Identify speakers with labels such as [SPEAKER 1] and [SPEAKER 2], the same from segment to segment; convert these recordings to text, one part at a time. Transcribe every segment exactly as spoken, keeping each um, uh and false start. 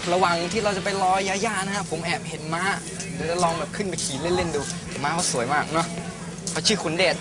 [SPEAKER 1] ระหว่างที่เราจะไปรอยาย่านะครับผมแอบเห็นม้าเดี๋ยวจะลองแบบขึ้นไปขี่เล่นๆดูม้าเขาสวยมากเนาะเขาชื่อขุนเดช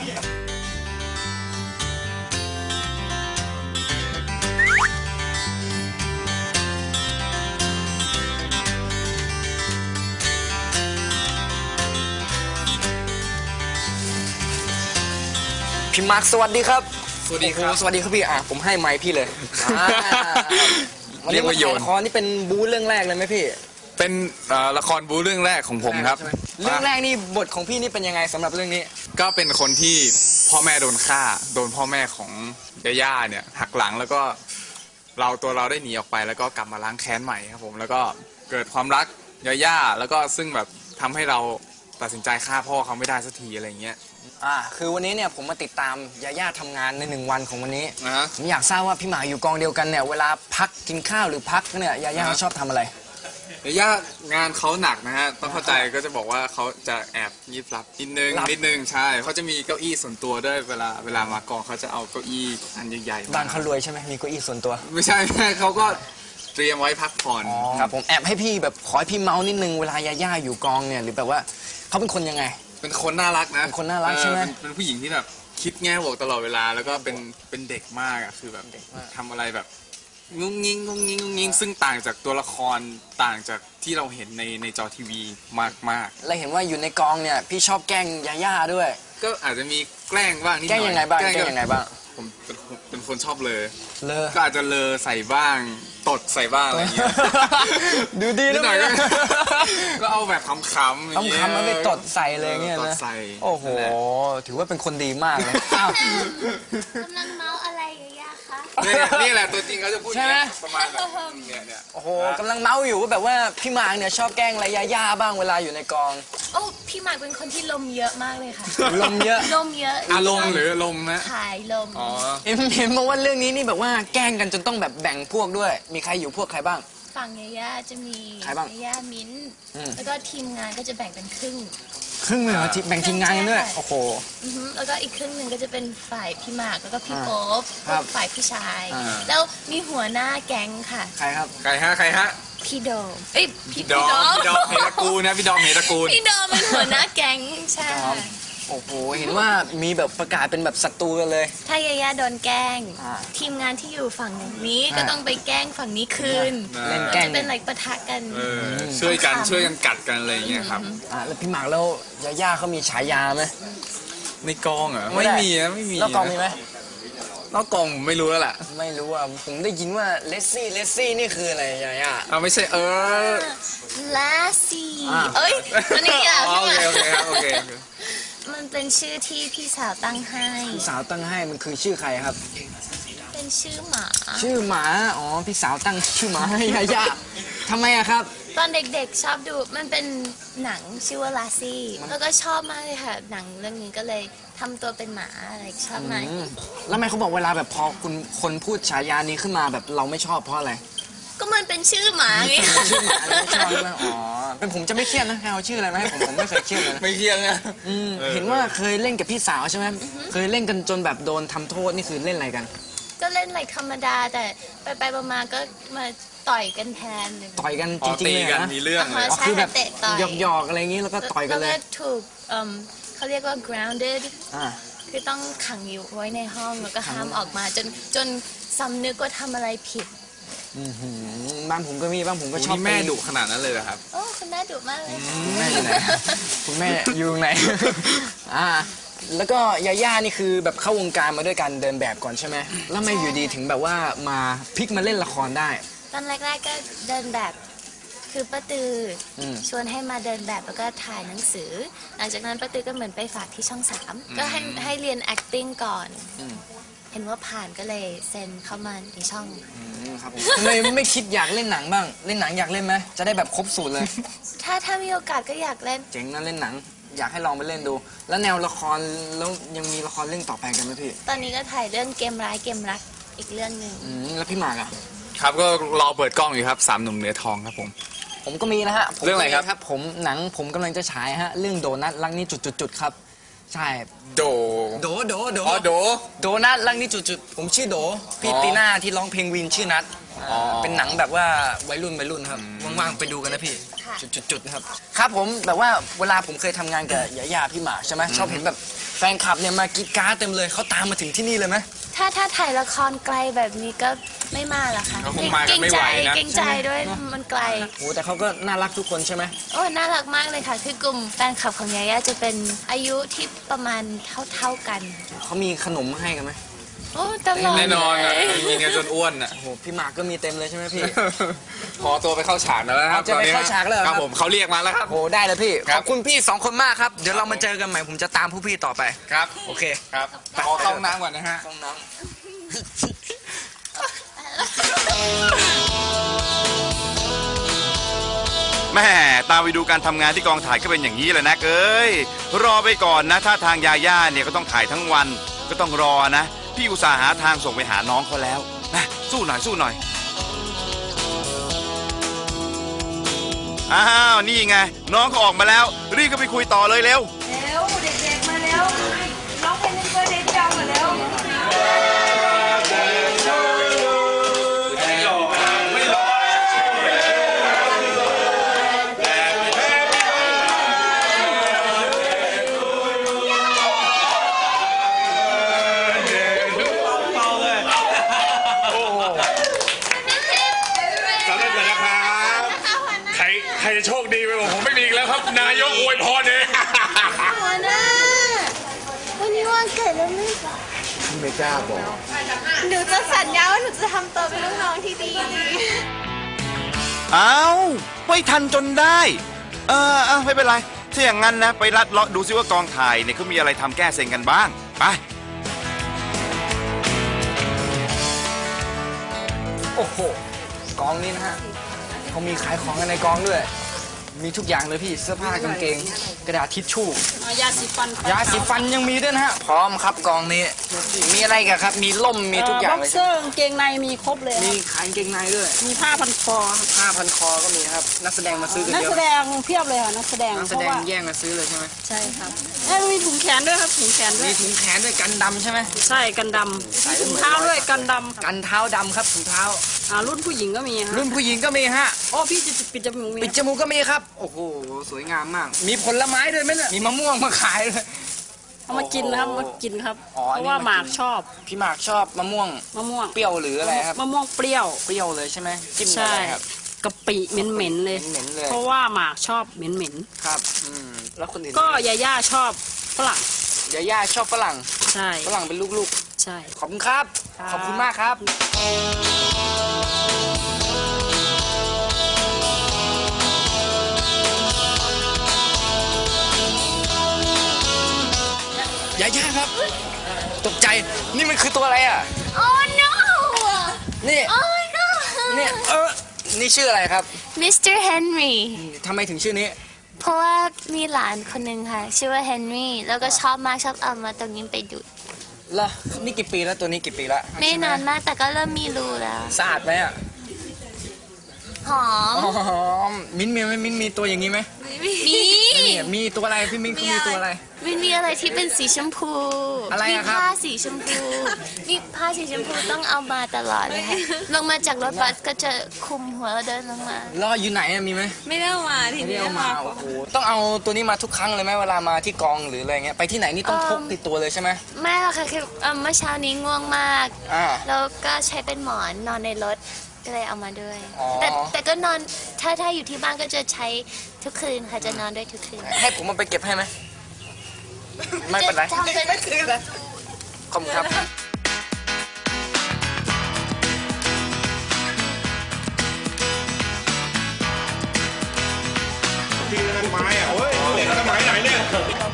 [SPEAKER 1] พี่มาร์คสวัสดีครับ
[SPEAKER 2] สวัสดีครับ
[SPEAKER 1] สวัสดีครับพี่อ่ะผมให้ไมค์พี่เลย
[SPEAKER 2] เรียกว่าโยน
[SPEAKER 1] ละครนี่เป็นบู๊เรื่องแรกเลยไหมพี่
[SPEAKER 2] เป็นละครบู๊เรื่องแรกของผมครับ
[SPEAKER 1] เรื่องแรกนี่บทของพี่นี่เป็นยังไงสำหรับเรื่องนี้
[SPEAKER 2] ก็เป็นคนที่พ่อแม่โดนฆ่าโดนพ่อแม่ของย่าเนี่ยหักหลังแล้วก็เราตัวเราได้หนีออกไปแล้วก็กลับมาล้างแค้นใหม่ครับผมแล้วก็เกิดความรักย่าแล้วก็ซึ่งแบบทำให้เราตัดสินใจฆ่าพ่อเขาไม่ได้สักทีอะไรเงี้ย
[SPEAKER 1] อ่าคือวันนี้เนี่ยผมมาติดตามยาย่าทำงานในหนึ่งวันของวันนี้
[SPEAKER 2] uh-huh.
[SPEAKER 1] ผมอยากทราบว่าพี่หมาอยู่กองเดียวกันเนี่ยเวลาพักกินข้าวหรือพักเนี่ยยาย่า
[SPEAKER 2] uh-huh.
[SPEAKER 1] ชอบทำอะไร
[SPEAKER 2] ยาย่างานเขาหนักนะฮะต้องเข้าใจก็จะบอกว่าเขาจะแอบยิบลับนิดนึงนิดนึงใช่เขาจะมีเก้าอี้ส่วนตัวด้วยเวลาเวลามากองเขาจะเอาเก้าอี้อันใหญ่ๆ
[SPEAKER 1] บ้านเขารวยใช่ไหมมีเก้าอี้ส่วนตัว
[SPEAKER 2] ไม่ใช่แม่เขาก็เตรียมไว้พักผ่อน
[SPEAKER 1] ครับผมแอบให้พี่แบบขอให้พี่เมาส์นิดนึงเวลายาย่าอยู่กองเนี่ยหรือแบบว่าเขาเป็นคนยังไง
[SPEAKER 2] เป็นคนน่ารักนะ
[SPEAKER 1] เป็นคนน่ารักใช่ไหม
[SPEAKER 2] เป็นผู้หญิงที่แบบคิดแง่บวกตลอดเวลาแล้วก็เป็นเป็นเด็กมากอ่ะคือแบบเด็กมากทำอะไรแบบงุ้งงิ้งงุ้งงิ้งงุ้งงิ้งซึ่งต่างจากตัวละครต่างจากที่เราเห็นในในจอทีวีมากมาก
[SPEAKER 1] แล้วเห็นว่าอยู่ในกองเนี่ยพี่ชอบแกล้งยาย่าด้วย
[SPEAKER 2] ก็อาจจะมีแกล้งบ้างนิดหน่อย
[SPEAKER 1] แกล้งยังไงบ้างแกล้งยังไงบ้าง
[SPEAKER 2] ผมเป็นเป็นคนชอบเลอ
[SPEAKER 1] เลอ
[SPEAKER 2] ก็อาจจะเลอใส่บ้างตดใส่บ้างอะไรเงี้ย
[SPEAKER 1] ดูดีนะ
[SPEAKER 2] ก็เอาแบบขำๆอย่างเงี้ย
[SPEAKER 1] ขำๆมาไปตดใส่เลยเงี้ยนะโอ้โหถือว่าเป็นคนดีมากเลย
[SPEAKER 3] กำลังเมาอะไรย่าคะ
[SPEAKER 2] นี่แหละตัวจริงเขาจะพูดประมาณแบบเนี่ยเนี่ย
[SPEAKER 1] โอ้โหกำลังเมาอยู่ว่าแบบว่าพี่มาร์กเนี่ยชอบแกล้งอะไรย่าๆบ้างเวลาอยู่ในกอง
[SPEAKER 3] โอ้พี่มาร์กเป็นคนที่ลมเยอะมากเลยค่ะ
[SPEAKER 1] ลมเยอะ
[SPEAKER 3] ลมเยอะ
[SPEAKER 2] อารมณ์หรือลมนะ
[SPEAKER 3] ขายลม
[SPEAKER 2] อ๋อ
[SPEAKER 1] เห็นเห็นมาว่าเรื่องนี้นี่แบบว่าแกล้งกันจนต้องแบบแบ่งพวกด้วยมีใครอยู่พวกใครบ้าง
[SPEAKER 3] ฝั่งย่าจะมี
[SPEAKER 1] ใครบ้าง
[SPEAKER 3] ย่ามิ้นแล้วก็ทีมงานก็จะแบ่งเป็นครึ่ง
[SPEAKER 1] ครึ่งเลยเหรอแบ่งทีมงานกันด้วยโอ้โห
[SPEAKER 3] แล้วก็อีกครึ่งหนึ่งก็จะเป็นฝ่ายพี่หมากแล้วก็พี่โป๊ปฝ่ายพี่ชายแล้วมีหัวหน้าแก๊งค่ะ
[SPEAKER 1] ใครครับ
[SPEAKER 2] ใครฮะใครฮะ
[SPEAKER 3] พี่โดมเอ้ย
[SPEAKER 2] พี่ดอมพี่ดอมเฮตระกูลนะพี่ดอมเฮตระกูล
[SPEAKER 3] พี่ดอมเป็นหัวหน้าแก๊งใช่
[SPEAKER 1] โอ้โหเห็นว่ามีแบบประกาศเป็นแบบศัตรูกันเลย
[SPEAKER 3] ถ้ายาย่าโดนแกล้งทีมงานที่อยู่ฝั่งนี้ก็ต้องไปแกล้งฝั่งนี้คืน
[SPEAKER 1] เล่นแกล้ง
[SPEAKER 3] เป็นอะไรปะทะกัน
[SPEAKER 2] ช่วยกันช่วยกันกัดกันอะไรอย่างเงี้ยครับ
[SPEAKER 1] อ่าแล้วพี่หมากแล้วยาย่าเขามีฉายาไหม
[SPEAKER 2] ในกองเหรอไม่มีนะไม่มี
[SPEAKER 1] แล้วกองมีไหม
[SPEAKER 2] นอกกองผมไม่รู้แล้วแหละ
[SPEAKER 1] ไม่รู้อ่ะผมได้ยินว่าเลสซี่เลสซี่นี่คืออะไรยาย่า
[SPEAKER 2] อ้าวไม่ใช่เออ
[SPEAKER 3] เลสซี่เอ้ยมันนี่อ่ะ
[SPEAKER 2] โอเคโอเคโอเค
[SPEAKER 3] มันเป็นชื่อที่พี่สาวตั้งให้
[SPEAKER 1] พี่สาวตั้งให้มันคือชื่อใครครับ
[SPEAKER 3] เป็นชื่อหมา
[SPEAKER 1] ชื่อหมาอ๋อพี่สาวตั้งชื่อหมาให้ยาย่าทำไมอะครับ
[SPEAKER 3] ตอนเด็กๆชอบดูมันเป็นหนังชื่อว่าลาซี่แล้วก็ชอบมากเลยค่ะหนังเรื่องนี้ก็เลยทำตัวเป็นหมาอะไรชอบมาก
[SPEAKER 1] แล้วทำไมเขาบอกเวลาแบบพอคุณคนพูดฉายานี้ขึ้นมาแบบเราไม่ชอบเพราะอะไร
[SPEAKER 3] ก็มันเป็นชื่อหมาไง
[SPEAKER 1] ชื่อหมาไม่ชอบใช่ไหมอ๋อเป็นผมจะไม่เครียดนะเอาชื่ออะไรมาให้ผมผมไม่เคยเครียดเลย
[SPEAKER 2] ไม่เครียดนะ
[SPEAKER 1] เห็นว่าเคยเล่นกับพี่สาวใช่ไหมเคยเล่นกันจนแบบโดนทำโทษนี่คือเล่นอะไรกัน
[SPEAKER 3] ก็เล่นอะไรธรรมดาแต่ไปไปมาก็มาต่อยกันแทน
[SPEAKER 1] ต่อยกันจริงๆเลยนะ
[SPEAKER 2] มีเรื่องเลย
[SPEAKER 1] คือแบบหยอกๆอะไรอย่างนี้แล้วก็ต่อยกันเลย
[SPEAKER 3] ถูกเขาเรียกว่า grounded คือต้องขังอยู่ไว้ในห้องแล้วก็ห้ามออกมาจนจนสำนึกว่าทำอะไรผิด
[SPEAKER 1] บ้านผมก็มีบ้านผมก็ชอบ
[SPEAKER 2] แม่ดุขนาดนั้นเลยเหรอครับ
[SPEAKER 3] โอ้คุณแม่ดุมากเลย
[SPEAKER 1] คุณแม่อยู่ไหนคุณแม่อยู่ไหนอ่าแล้วก็ยาย่านี่คือแบบเข้าวงการมาด้วยการเดินแบบก่อนใช่ไหมแล้วไม่อยู่ดีถึงแบบว่ามาพลิกมาเล่นละครได้
[SPEAKER 3] ตอนแรกๆก็เดินแบบคือป้าตือชวนให้มาเดินแบบแล้วก็ถ่ายหนังสือหลังจากนั้นป้าตือก็เหมือนไปฝากที่ช่องสามก็ให้ให้เรียน acting ก่อนเห็นว่าผ่านก็เลยเซ็นเข้ามาในช่อง
[SPEAKER 1] ครับทำไมไม่คิดอยากเล่นหนังบ้างเล่นหนังอยากเล่นไหมจะได้แบบครบสูตรเลย
[SPEAKER 3] ถ้าถ้ามีโอกาสก็อยากเล่น
[SPEAKER 1] เจ๋งนะเล่นหนังอยากให้ลองไปเล่นดูแล้วแนวละครแล้วยังมีละครเรื่องต่อไปกันไหมพี่
[SPEAKER 3] ตอนนี้ก็ถ่ายเรื่องเกมร้ายเกมรักอีกเรื่องหนึ่ง
[SPEAKER 1] แล้วพี่หมากอะ
[SPEAKER 2] ครับก็รอเปิดกล้องอยู่ครับสามหนุ่มเนื้อทองครับผม
[SPEAKER 1] ผมก็มีนะฮะ
[SPEAKER 2] เรื่องอะไรครับ
[SPEAKER 1] ผมหนังผมกำลังจะฉายฮะเรื่องโดนัทรักนี้จุดๆครับใช่
[SPEAKER 2] โด
[SPEAKER 1] โดโดโด
[SPEAKER 2] อ๋อโด
[SPEAKER 1] โดนัทรักนี้จุดๆผมชื่อโดพี่ตีน่าที่ร้องเพลงวินชื่อนัท
[SPEAKER 2] อ๋อ
[SPEAKER 1] เป็นหนังแบบว่าวัยรุ่นวัยรุ่นครับ
[SPEAKER 2] อืม
[SPEAKER 1] ว่างๆไปดูกันนะพี่
[SPEAKER 3] ค่ะ
[SPEAKER 1] จุดๆๆนะครับครับผมแบบว่าเวลาผมเคยทำงานกับยาย่าพี่หมากใช่ไหมชอบเห็นแบบแฟนคลับเนี่ยมากรีดกราร์ดเต็มเลยเขาตามมาถึงที่นี่เลยไหม
[SPEAKER 3] ถ้าถ้าถ่ายละครไกลแบบนี้ก็ไม่มาหรอกค่ะ
[SPEAKER 2] เขาคงมากันไม่ไหวนะ
[SPEAKER 3] เกรงใจด้วยมันไกล
[SPEAKER 1] โอ้แต่เขาก็น่ารักทุกคนใช่ไหม
[SPEAKER 3] โอ้น่ารักมากเลยค่ะ คือกลุ่มแฟนคลับของยาย่าจะเป็นอายุที่ประมาณเท่าๆกัน
[SPEAKER 1] เขามีขนมให้กันไหม
[SPEAKER 3] โอ้ตลอด
[SPEAKER 2] แน่นอน
[SPEAKER 3] เล
[SPEAKER 2] อ่ะ
[SPEAKER 3] ย
[SPEAKER 2] มีเงินจนอ้วนอ่ะ
[SPEAKER 1] โอ้โหพี่หมากก็มีเต็มเลยใช่ไหมพี่
[SPEAKER 2] ขอตัวไปเข้าฉากแล้วนะครับ
[SPEAKER 1] จะไปเข้าฉากแล้วเหรอ
[SPEAKER 2] ค
[SPEAKER 1] ครั
[SPEAKER 2] รับ บผมเขาเรียกมาแล้วครับ
[SPEAKER 1] โอ้ได้เลยพี่
[SPEAKER 2] ค
[SPEAKER 1] ข
[SPEAKER 2] รับ
[SPEAKER 1] อบคุณพี่สองคนมากครับเดี๋ยวเรามาเจอกันใหม่ผมจะตามผู้พี่ต่อไป
[SPEAKER 2] ครับ
[SPEAKER 1] โอเค
[SPEAKER 2] ครับขอเข้าห้องน้ำก่อนนะฮะ
[SPEAKER 1] ห้องน้ำ
[SPEAKER 4] แม่ตามไปดูการทำงานที่กองถ่ายก็เป็นอย่างนี้แหละนะเอ้ยรอไปก่อนนะถ้าทางยาย่าเนี่ยก็ต้องถ่ายทั้งวันก็ต้องรอนะพี่อุตส่าห์หาทางส่งไปหาน้องเขาแล้วนะสู้หน่อยสู้หน่อยอ้าวนี่ไงน้องเขาออกมาแล้วรีบก็ไปคุยต่อเลยเร็ว
[SPEAKER 5] เร็วเด็กๆมาแล้วร้องเพลงเพื่อนเด็กจังมาแล้ว
[SPEAKER 6] สำเร็จเลยนะครับใครใครจะโชคดีไปกว่าผมไม่มีอีกแล้วครับ นายกอวยพรเอง
[SPEAKER 3] หัวหน้าวันนี้วันเกิดแล้วไม่บอก
[SPEAKER 1] ไม่กล้าบอก
[SPEAKER 5] หนูจะสัญญาว่าหนูจะทำตัวเป็นลูกน้องที่ดี
[SPEAKER 4] อ้าวไม่ทันจนได้ เออเออไม่เป็นไรถ้าอย่างนั้นนะ ไปลัดเลาะดูซิว่ากองถ่ายเนี่ยเขามีอะไรทำแก้เซ็งกันบ้าง ไป
[SPEAKER 1] โอ้โหกองนี้นะฮะเขามีขายของกันในกองด้วย มีทุกอย่างเลยพี่เสื้อผ้ากางเกง กระดาษทิชชู่
[SPEAKER 5] ยาสีฟัน
[SPEAKER 1] ยาสีฟันยังมีด้วยนะฮะพร้อมครับกองนี้มีอะไรกันครับ มีล่มมีทุกอย่าง
[SPEAKER 5] บ็อก
[SPEAKER 1] เลย
[SPEAKER 5] เซอร์กางเกงในมีครบเลย
[SPEAKER 1] มีขายกางเกงในด้วย
[SPEAKER 5] มีผ้าพันคอครับ
[SPEAKER 1] ผ้าพันคอก็มีครับนักแสดงมาซื้อกัน
[SPEAKER 5] นัก
[SPEAKER 1] เย
[SPEAKER 5] แส
[SPEAKER 1] อะ
[SPEAKER 5] ดงเพียบเลยค่ะนักแสดง
[SPEAKER 1] นักแส
[SPEAKER 5] เพ
[SPEAKER 1] ด
[SPEAKER 5] ราะ
[SPEAKER 1] ง
[SPEAKER 5] ว่า
[SPEAKER 1] แย่งมาซื้อเลยใช่ไหม
[SPEAKER 5] ใช่ครับเอ้ยมีถุงแขนด้วยครับถุงแขนด้ว
[SPEAKER 1] มี
[SPEAKER 5] ย
[SPEAKER 1] ถุงแขนด้วยกันดำใช่ไหม
[SPEAKER 5] ใช่กันดำมีถุงเท้าด้วยกันดำครับ
[SPEAKER 1] กันเท้าดำครับถุงเท้า
[SPEAKER 5] อ่ารุ่นผู้หญิงก็มีฮะ
[SPEAKER 1] รุ่นผู้หญิงก็มีฮะ
[SPEAKER 5] โอ้พี่จะปิดจมูกมี
[SPEAKER 1] ปิดจมูกก็มีครับ โอ้โห สวยงามมาก มีผลไม้ด้วยไหมเนี่ย มีมะม่วงมาขายเลย
[SPEAKER 5] เอามากินนะครับมากินครับ
[SPEAKER 1] อ๋อ
[SPEAKER 5] เพ
[SPEAKER 1] อันนี้
[SPEAKER 5] ราะว่า
[SPEAKER 1] มากิน
[SPEAKER 5] หมากชอบ
[SPEAKER 1] พี่หมากชอบมะม่วง
[SPEAKER 5] มะม่วง
[SPEAKER 1] เปรี้ยวหรืออะไรครับ
[SPEAKER 5] มะม่วงเปรี้ยว
[SPEAKER 1] เปรี้ยวเลยใช่ไหมจิ้มกับ
[SPEAKER 5] ใช่
[SPEAKER 1] อะไรครับ
[SPEAKER 5] กะปิเหม็นๆเลย
[SPEAKER 1] เหม็นๆเลย
[SPEAKER 5] เพราะว่าหมากชอบเหม็น
[SPEAKER 1] ครับ อืม แล้วคนอื่น
[SPEAKER 5] ๆก็ยาย่าชอบฝรั่ง
[SPEAKER 1] ยาย่าชอบฝรั่ง
[SPEAKER 5] ใช่
[SPEAKER 1] ฝรั่งเป็นลูก
[SPEAKER 5] ใช่
[SPEAKER 1] ๆ ขอบคุณครับ
[SPEAKER 5] ครับ
[SPEAKER 1] ขอบคุณมากครับ ยาย่าครับ ตกใจ นี่มันคือตัวอะไรอ่ะ
[SPEAKER 3] โอ้ no
[SPEAKER 1] นี่
[SPEAKER 3] โอ้ no
[SPEAKER 1] นี่ เออ นี่ชื่ออะไรครับ
[SPEAKER 3] มิสเตอร์เฮนรี่
[SPEAKER 1] ทำไมถึงชื่อนี้
[SPEAKER 3] เพราะว่ามีหลานคนหนึ่งค่ะ ชื่อว่าเฮนรี่แล้วก็ชอบมากชอบเอามาตรงนี้ไปดูด
[SPEAKER 1] เหรอนี่กี่ปีแล้วตัวนี้กี่ปีแล้ว
[SPEAKER 3] ไม่นานมากแต่ก็เริ่มมีรูแล้ว
[SPEAKER 1] สะอาดไหมอ่ะ
[SPEAKER 3] หอม
[SPEAKER 1] อ๋อมิ้นท์มีไหมมิ้นท์มีตัวอย่างนี้ไหม
[SPEAKER 3] มี
[SPEAKER 1] นี่มีตัวอะไรพี่มิ้นท์เขามีตัวอะไร
[SPEAKER 3] มันมีอะไรที่เป็นสีชมพู
[SPEAKER 1] อะไร
[SPEAKER 3] มี
[SPEAKER 1] อะครับ
[SPEAKER 3] ผ้าสีชมพูนี่ผ้าสีชมพูต้องเอามาตลอดเลยค่ะลงมาจากรถบัสก็จะคลุมหัวแล้วเดินลงมา
[SPEAKER 1] รออยู่ไหนอะมีไหม
[SPEAKER 5] ไม่ได้เอามาที
[SPEAKER 1] ไม่ได้
[SPEAKER 5] นี้
[SPEAKER 1] เอามาโอ้โหต้องเอาตัวนี้มาทุกครั้งเลยไหมเวลามาที่กองหรืออะไรเงี้ยไปที่ไหนนี่ต้องพกติดตัวเลยใช่ไหม
[SPEAKER 3] ไม่หรอกค่ะคือเอ่อเมื่อเช้านี้ง่วงมาก
[SPEAKER 1] อ่า
[SPEAKER 3] แล้วก็ใช้เป็นหมอนนอนในรถก็เลยเอามาด้วย
[SPEAKER 1] อ๋อ
[SPEAKER 3] แต่แต่ก็นอนถ้าถ้าอยู่ที่บ้านก็จะใช้ทุกคืนค่ะจะนอนด้วยทุกคืน
[SPEAKER 1] ให้ผมมาไปเก็บให้ไหมไม่เป็นไร
[SPEAKER 3] จะทำเป็น
[SPEAKER 1] ขอบคุณครับ
[SPEAKER 6] ทีนั้นไม้อะโอ้ยเด็กสมัยไหนเนี่ย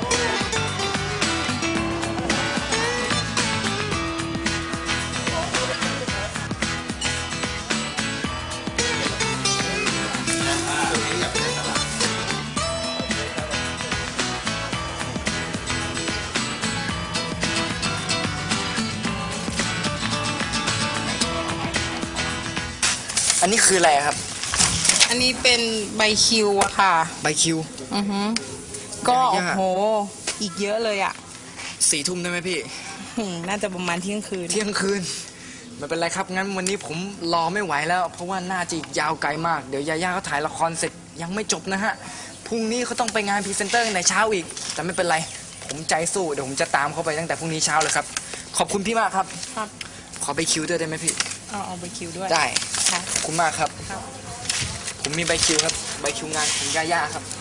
[SPEAKER 1] อันนี้คืออะไรครับ
[SPEAKER 7] อันนี้เป็นใบคิวอะค่ะ
[SPEAKER 1] ใบคิว
[SPEAKER 7] อือฮึก็
[SPEAKER 1] ยา
[SPEAKER 7] โอ้
[SPEAKER 1] ย่า
[SPEAKER 7] โห อีกเยอะเลยอะ
[SPEAKER 1] สี่ทุ่มได้ไหมพี่
[SPEAKER 7] หืมน่าจะประมาณเที่ยงคืน
[SPEAKER 1] เที่ยงคืนไม่เป็นไรครับงั้นวันนี้ผมรอไม่ไหวแล้ว เพราะว่าน่าจะอีกยาวไกลมากเดี๋ยวยาย่าเขาถ่ายละครเสร็จยังไม่จบนะฮะพรุ่งนี้เขาต้องไปงานพรีเซนเตอร์ในเช้าอีกแต่ไม่เป็นไรผมใจสู้เดี๋ยวผมจะตามเขาไปตั้งแต่พรุ่งนี้เช้าเลยครับขอบคุณพี่มากครับ
[SPEAKER 7] ครับ
[SPEAKER 1] ขอใบคิวด้วยได้ไหมพี่
[SPEAKER 7] เอาเอาใบคิวด้วย
[SPEAKER 1] ได้
[SPEAKER 7] ค่ะ
[SPEAKER 1] ขอบคุณมากครับ
[SPEAKER 7] ครับ
[SPEAKER 1] ผมมีใบคิวครับใบคิวงานของย่าย่าครับ